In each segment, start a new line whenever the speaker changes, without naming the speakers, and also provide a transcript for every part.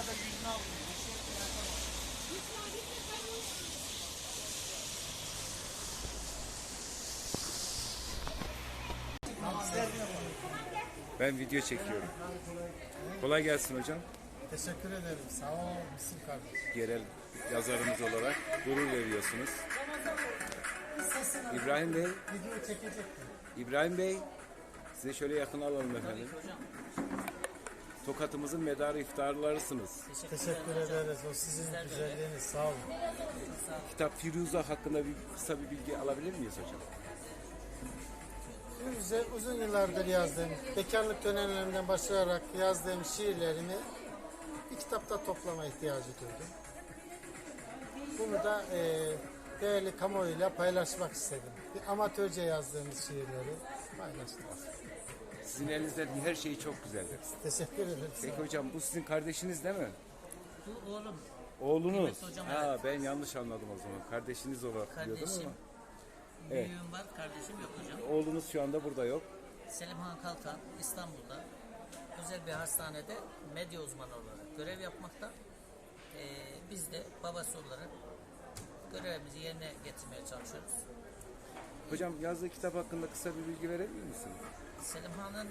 da yüzünü almıyor.
Ben video çekiyorum. Kolay gelsin hocam.
Teşekkür ederim. Sağ ol Müslüm kardeş.
Yerel yazarımız olarak gurur veriyorsunuz. İbrahim Bey,
Video çekecektim.
İbrahim Bey, size şöyle yakın alalım efendim. Tokat'ımızın medarı iftarlarısınız.
Teşekkür ederiz. O sizin güzelliğiniz. Sağ olun.
Kitap Firuza hakkında kısa bir bilgi alabilir miyiz hocam?
Firuze uzun yıllardır yazdığım, bekarlık dönemlerimden başlayarak yazdığım şiirlerimi bir kitapta toplama ihtiyacı duydum. Bunu da değerli kamuoyuyla paylaşmak istedim. Bir amatörce yazdığımız şiirleri paylaştık.
Sizin elinizden her şey çok güzeldir.
Teşekkür ederim.
Peki hocam, bu sizin kardeşiniz değil mi?
Bu oğlum.
Oğlunuz.
Evet hocam,
Ha,
evet.
ben yanlış anladım o zaman. Kardeşiniz olarak biliyordum
Kardeşim.
ama. Evet.
Büyüğüm var, kardeşim yok hocam.
Oğlunuz şu anda burada yok.
Selimhan Kalkan İstanbul'da özel bir hastanede medya uzmanı olarak görev yapmakta. Biz de babası olarak görevimizi yerine getirmeye çalışıyoruz.
Hocam, yazdığı kitap hakkında kısa bir bilgi verebilir misin?
Selimhan'ın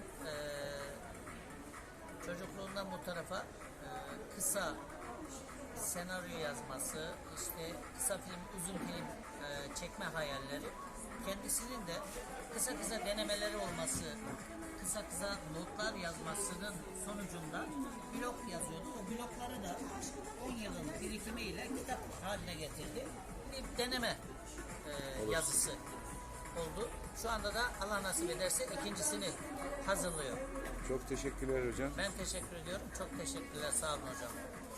çocukluğundan bu tarafa kısa senaryo yazması, işte kısa film, uzun film çekme hayalleri, kendisinin de kısa denemeleri olması, kısa notlar yazmasının sonucunda blog yazıyordu. O blogları da 10 yılın birikimiyle kitap haline getirdi. Bir deneme yazısı oldu. Şu anda da Allah nasip ederse ikincisini hazırlıyor.
Çok teşekkürler hocam.
Ben teşekkür ediyorum. Çok teşekkürler. Sağ olun hocam.